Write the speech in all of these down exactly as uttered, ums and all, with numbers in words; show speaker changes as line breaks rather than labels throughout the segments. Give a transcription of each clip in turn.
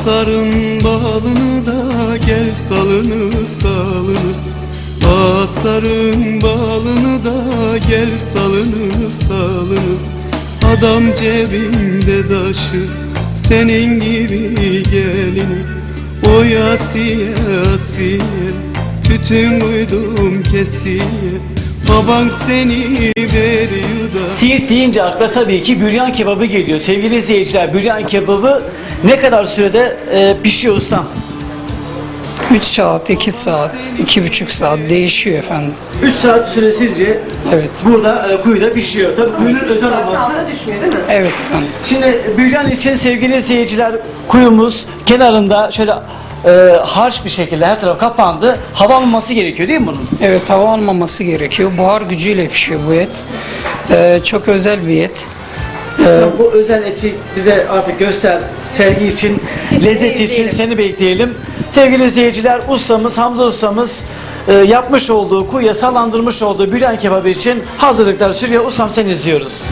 Asarın balını da gel salını salını. Asarın balını da gel salını salını. Adam cebinde taşı senin gibi gelini. Oy Asiye Asiye tütün uydum kesiye. Baban seni veriyor da.
Siirt deyince akla tabii ki büryan kebabı geliyor. Sevgili izleyiciler, büryan kebabı ne kadar sürede e, pişiyor ustam?
üç saat, iki saat, iki buçuk saat değişiyor efendim.
üç saat süresince
Evet.
burada e, kuyuda pişiyor. Tabii kuyunun özel olması.
Evet efendim.
Şimdi büryan için sevgili izleyiciler, kuyumuz kenarında şöyle e, harç bir şekilde her taraf kapandı. Hava almaması gerekiyor değil mi bunun?
Evet, hava almaması gerekiyor. Buhar gücüyle pişiyor bu et. Ee, çok özel bir et.
Ustam, bu özel eti bize artık göster, sergi için, lezzet için seni bekleyelim. Sevgili izleyiciler, ustamız, Hamza ustamız e, yapmış olduğu, kuyuya sallandırmış olduğu büryan kebabı için hazırlıklar sürüyor. Ustam, seni izliyoruz.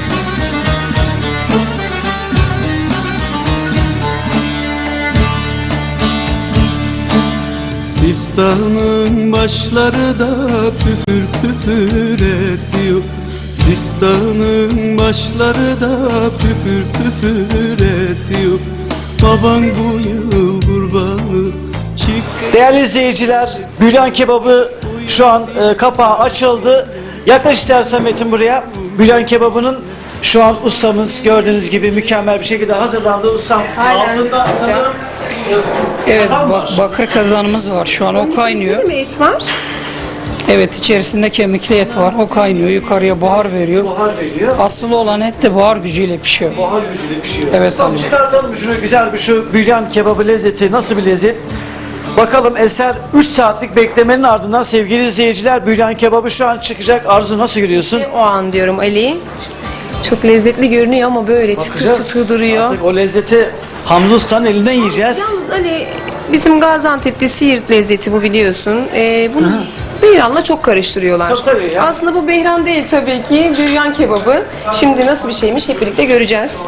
Sistanın başları da püfür püfür esiyor. Sistanın başları da püfür püfür esiyor. Baban bu yıl kurbanı çift.
Değerli izleyiciler, büryan kebabı şu an e, kapağı açıldı. Yaklaş istersen Metin buraya. Büryan kebabının şu an ustamız gördüğünüz gibi mükemmel bir şekilde hazırlandı. Ustam altında sanırım e,
Evet,
kazan
ba-
var.
bakır kazanımız var. Şu an o kaynıyor.
İçerisinde mi et var?
Evet, içerisinde kemikli et var. O kaynıyor, yukarıya buhar veriyor.
Buhar veriyor.
Asıl olan et de buhar gücüyle pişiyor.
Buhar gücüyle pişiyor.
Evet,
Ustam,
abi.
çıkartalım şunu, güzel bir şu büryan kebabı lezzeti nasıl bir lezzet? Bakalım eser üç saatlik beklemenin ardından sevgili izleyiciler, büryan kebabı şu an çıkacak. Arzu, nasıl görüyorsun?
O an diyorum Ali. Çok lezzetli görünüyor ama böyle çıtır
Bakacağız.
çıtır duruyor.
Artık o lezzeti Hamza Usta'nın elinden yiyeceğiz.
Yalnız Ali, bizim Gaziantep'te Siirt lezzeti bu, biliyorsun. Ee, bunu beyranla çok karıştırıyorlar.
Tabii, tabii ya.
Aslında bu beyran değil tabii ki, büryan kebabı. Şimdi nasıl bir şeymiş hep birlikte göreceğiz.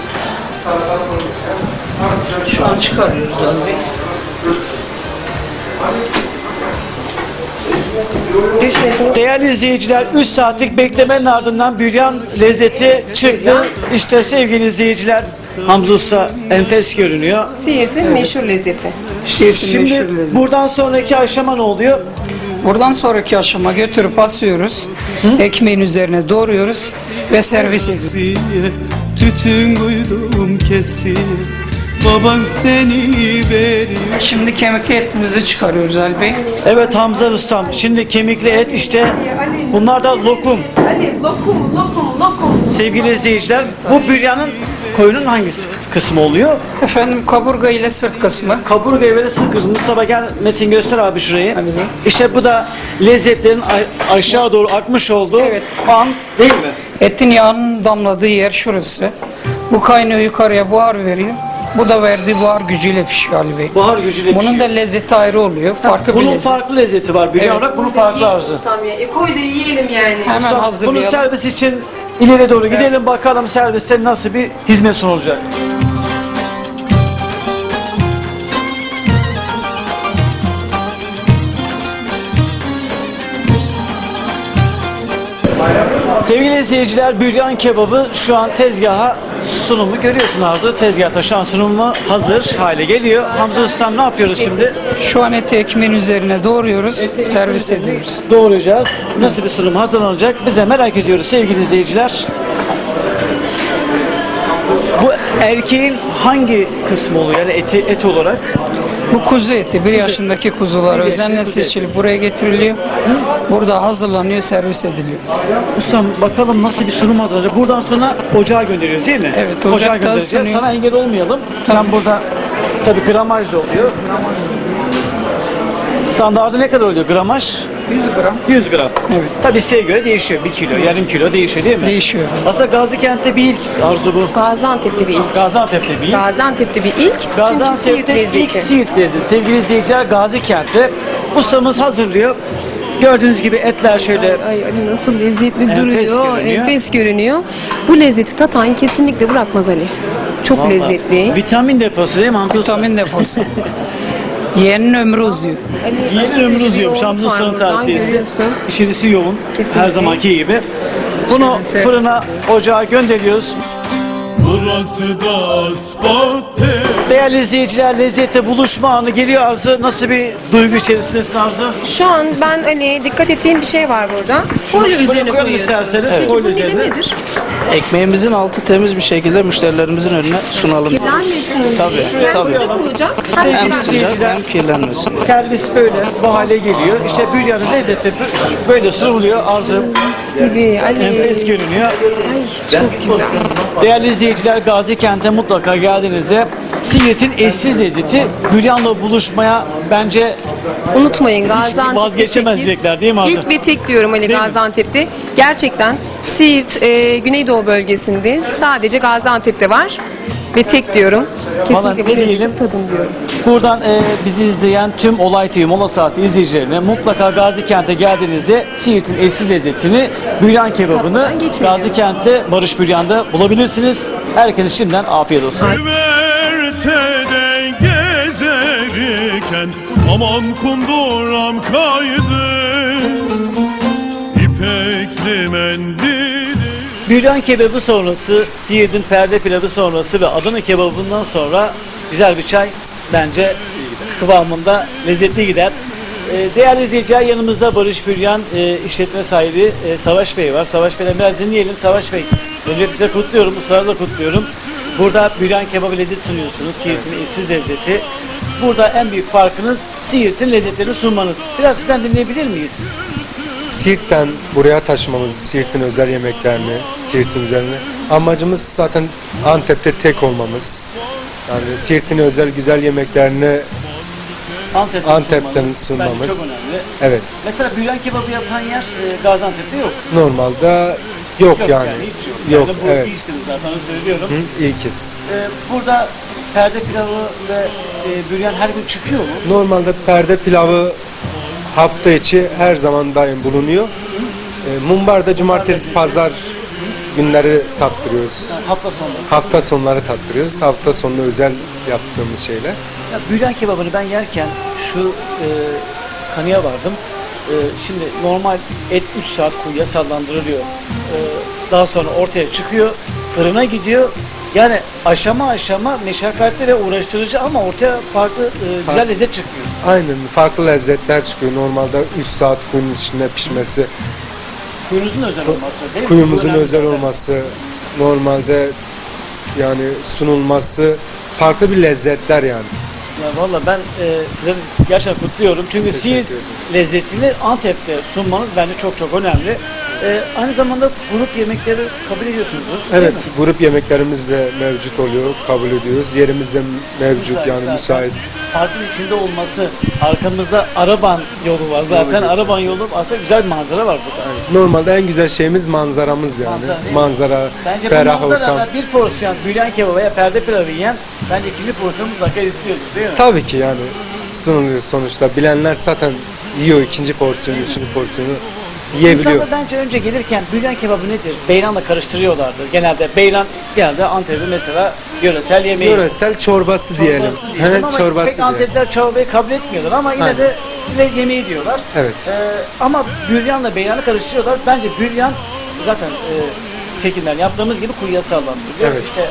Şu an çıkarıyoruz abi.
Düşmesin.
Değerli izleyiciler, üç saatlik beklemenin ardından büryan lezzeti çıktı. İşte sevgili izleyiciler, Hamza Usta enfes görünüyor.
Siirt'in meşhur lezzeti.
Siirt'in
Şimdi
meşhur lezzeti.
buradan sonraki aşama ne oluyor?
Buradan sonraki aşama götürüp asıyoruz. Ekmeğin üzerine doğruyoruz ve servis ediyoruz.
Asiye tütün uydum kesiye. Baban seni veriyor.
Şimdi kemikli etimizi çıkarıyoruz Ali Bey.
Evet Hamza Ustam, şimdi kemikli et işte, bunlar da lokum.
Hadi lokum, lokum, lokum.
Sevgili izleyiciler, bu büryanın koyunun hangisi kısmı oluyor?
Efendim, kaburga ile sırt kısmı.
Kaburga ve sırt kısmı. Mustafa gel, Metin göster abi şurayı.
Hadi be.
İşte bu da lezzetlerin a- aşağı doğru akmış olduğu
Evet.
an değil mi?
Etin yağının damladığı yer şurası. Bu kaynıyor, yukarıya buhar veriyor. Bu da verdiği buhar gücüyle pişiyor Ali Bey.
Buhar gücüyle
Bunun da
pişiyor.
lezzeti ayrı oluyor. Farklı bir
Bunun
lezzet.
farklı lezzeti var. Büryan
Evet.
olarak bunun farklı Arzu.
Ustam ya. E koy da yiyelim yani.
Hemen
Ustam, bunun
hazırlayalım.
servis için ileri doğru gidelim bakalım serviste nasıl bir hizmet sunulacak. Sevgili izleyiciler, büryan kebabı şu an tezgaha sunumu görüyorsun Arzu. Tezgahta şu an sunumu hazır hale geliyor. Hamza Ustam, ne yapıyoruz şimdi?
Şu an eti ekmeğin üzerine doğruyoruz, servis ediyoruz.
Doğrayacağız. Nasıl bir sunum hazırlanacak? Biz de merak ediyoruz sevgili izleyiciler. Bu erkeğin hangi kısmı oluyor yani eti, et olarak?
Bu kuzu eti, bir yaşındaki kuzular
Bir
özenle
kuzu eti.
seçilip buraya getiriliyor. Burada hazırlanıyor, servis ediliyor.
Ustam, bakalım nasıl bir sunum hazırlanacak. Buradan sonra ocağa gönderiyoruz değil mi?
Evet,
ocağa
ocakta
göndereceğiz.
ısınıyor.
Sana engel olmayalım. Sen burada tabii gramaj da oluyor. Standardı ne kadar oluyor gramaj?
yüz gram.
yüz gram.
Evet.
Tabii isteğe göre değişiyor. bir kilo, yarım kilo değişiyor değil mi?
Değişiyor.
Aslında Gazikent'te bir ilk Arzu bu.
Gaziantep'te bir ilk.
Gaziantep'te bir ilk.
Gaziantep'te bir ilk. Çünkü Siirt
Gaziantep'te ilk
lezzeti.
Siirt lezzeti. Sevgili izleyiciler, Gazikent'te ustamız hazırlıyor. Gördüğünüz gibi etler şöyle
Ay Ali, nasıl lezzetli
Enfes
duruyor,
görünüyor.
enfes görünüyor. Bu lezzeti tatan kesinlikle bırakmaz Ali. Çok
Vallahi
lezzetli.
Vitamin deposu değil mi Hamza Usta?
Vitamin deposu. Yeğenin ömrü uzuyor.
Hani
Yeni ömrü uzuyor. Hamza Usta'nın
Buradan
tavsiyesi.
görüyorsun.
İçerisi yoğun.
Kesinlikle.
Her zamanki gibi. Bunu
Şöyle
fırına, ocağa gönderiyoruz.
Burası da Isparta.
Değerli izleyiciler, lezzette buluşma anı geliyor Arzu. Nasıl bir duygu içerisindesin Arzu?
Şu an ben hani dikkat ettiğim bir şey var burada. Folyo
Şunu
üzerine
koyalım
koyuyorsunuz.
isterseniz.
Peki
Folyo
bu nedir,
üzerine.
nedir?
Ekmeğimizin altı temiz bir şekilde müşterilerimizin önüne sunalım.
Kirlenmesin diye.
Tabii,
Hem
tabii.
sıcak olacak hem
Sevgili
Hem
kirlenmeyecek.
sıcak hem kirlenmesin.
Servis böyle bu hale geliyor. İşte büryanın lezzeti böyle sunuluyor. Arzu
gibi. Ali.
enfes görünüyor.
Ay çok güzel.
Değerli izleyiciler, Gazi Kent'e mutlaka geldiğinizde Siirt'in eşsiz lezzeti büryanla buluşmaya bence
Unutmayın Gaziantep'te
vazgeçemeyecekler değil mi Arzu?
İlk ve tek diyorum Ali
Değil mi?
Gaziantep'te. Gerçekten Siirt e, Güneydoğu bölgesinde sadece Gaziantep'te var ve tek diyorum.
Vallahi
Kesinlikle
ne
bu
diyelim?
lezzeti tadın diyorum.
Buradan e, bizi izleyen tüm Olay T V Mola Saati izleyicilerine mutlaka Gazi Kent'e geldiğinizde Siirt'in eşsiz lezzetini, büryan kebabını
Tatmadan geçmeyin.
Gazi Kent'te Barış Büryan'da bulabilirsiniz. Herkese şimdiden afiyet olsun.
Güvertede gezerken aman kunduram kaydı. İpekli mendili.
Büryan kebabı sonrası, Siirt'in perde pilavı sonrası ve Adana kebabından sonra güzel bir çay bence kıvamında lezzetli gider. Ee, değerli izleyiciler, yanımızda Barış Büryan e, işletme sahibi e, Savaş Bey var. Savaş Bey'den biraz dinleyelim. Savaş Bey, öncelikle size kutluyorum, ustaları da kutluyorum. Burada büryan kebabı lezzet sunuyorsunuz, Siirt'in eşsiz lezzeti. Burada en büyük farkınız Siirt'in lezzetlerini sunmanız. Biraz sizden dinleyebilir miyiz?
Siirt'ten buraya taşımamız, Siirt'in özel yemeklerini, Siirt'in üzerine. Amacımız zaten Antep'te tek olmamız. Yani Siirt'in özel güzel yemeklerini
Antep'ten,
Antep'ten
sunmanız.
sunmamız.
Bence çok önemli.
Evet.
Mesela büryan kebabı yapan yer e, Gaziantep'te yok.
Normalde yok,
Yok
yani.
hiç yok.
Yok,
yani bu
evet.
iyisiniz zaten, onu söylüyorum.
Hı, ilkiz.
Ee, burada perde pilavı ve e, büryan her gün çıkıyor mu?
Normalde perde pilavı hafta içi her zaman daim bulunuyor. E, Mumbar'da cumartesi, pazar günleri tattırıyoruz.
Yani hafta sonu.
Hafta sonları tattırıyoruz. Hafta sonu özel yaptığımız şeyler.
Ya, büryan kebabını ben yerken şu e, kanıya vardım. E, şimdi normal et üç saat kuyuya sallandırılıyor. E, daha sonra ortaya çıkıyor, fırına gidiyor. Yani aşama aşama meşakkatli ve uğraştırıcı ama ortaya farklı e, güzel
Farklı.
lezzet çıkıyor.
Aynen, farklı lezzetler çıkıyor. Normalde üç saat kuyunun içinde pişmesi,
Kuyunuzun özel olması değil mi?
kuyumuzun
Bu önemli
özel
zaten.
olması, normalde yani sunulması farklı bir lezzetler yani.
Ya valla ben e, sizleri gerçekten kutluyorum. Çünkü
Teşekkür
Siirt
ederim.
lezzetini Antep'te sunmanız bence çok çok önemli. E, aynı zamanda grup yemekleri kabul ediyorsunuzdur. değil
Evet,
mi?
grup yemeklerimiz de mevcut oluyor, kabul ediyoruz. Yerimiz de mevcut
Müsait
yani
zaten.
müsait.
Parkın içinde olması, arkamızda Araban yolu var zaten.
geçmesi.
Araban yolu aslında güzel bir manzara var burada.
Normalde en güzel şeyimiz manzaramız yani.
Manzara değil mi?
Manzara,
Bence bu
ferah ortam.
manzarada bir porsiyon büryan kebabı veya perde pilavı yiyen bence ikinci porsiyonu mutlaka istiyoruz değil mi?
Tabii ki yani sunuluyor sonuçta. Bilenler zaten yiyor ikinci porsiyonu, üçüncü porsiyonu yiyebiliyor.
İnsanlar bence önce gelirken büryan kebabı nedir? Beyranla karıştırıyorlardı. Genelde beyran genelde Antep'in mesela yöresel yemeği.
Yöresel çorbası diyelim.
Çorbası diyelim.
Evet,
Ama
çorbası
pek
diyelim.
Antepliler çorbayı kabul etmiyorlar ama yine
Aynen.
de yine yemeği diyorlar.
Evet.
Ee, ama büryanla beyranı karıştırıyorlar. Bence büryan zaten e, çekimler yaptığımız gibi kuyuya sallandırılıyor.
Evet.
İşte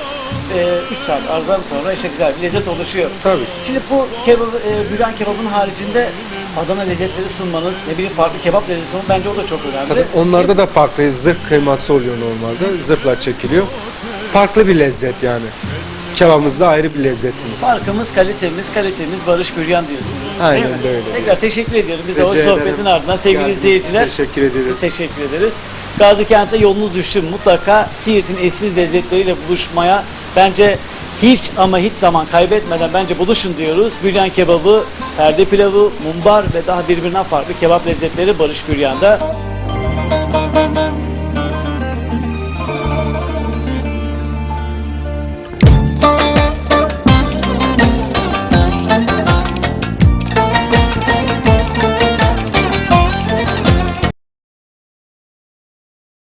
üç saat aradan sonra işte güzel bir lezzet oluşuyor.
Tabii.
Şimdi bu kebabı, e, büryan kebabının haricinde Adana lezzetleri sunmanız, ne bileyim farklı kebap lezzeti sunmanız bence o da çok önemli.
Zaten onlarda da farklı zırh kıyması oluyor normalde. Zırhla çekiliyor. Farklı bir lezzet yani. Kebabımızda ayrı bir lezzetimiz.
Farkımız kalitemiz, kalitemiz Barış Büryan diyorsunuz.
Aynen
değil mi?
de öyle.
Tekrar teşekkür ediyorum. Biz de o
Rica
sohbetin
ederim.
ardından sevgili
Geldiniz,
izleyiciler.
Teşekkür ederiz.
Teşekkür ederiz. Gazi Kent'e yolunuz düştü. Mutlaka Siirt'in eşsiz lezzetleriyle buluşmaya bence hiç ama hiç zaman kaybetmeden bence buluşun diyoruz. Büryan kebabı, perde pilavı, mumbar ve daha birbirinden farklı kebap lezzetleri Barış Büryan'da.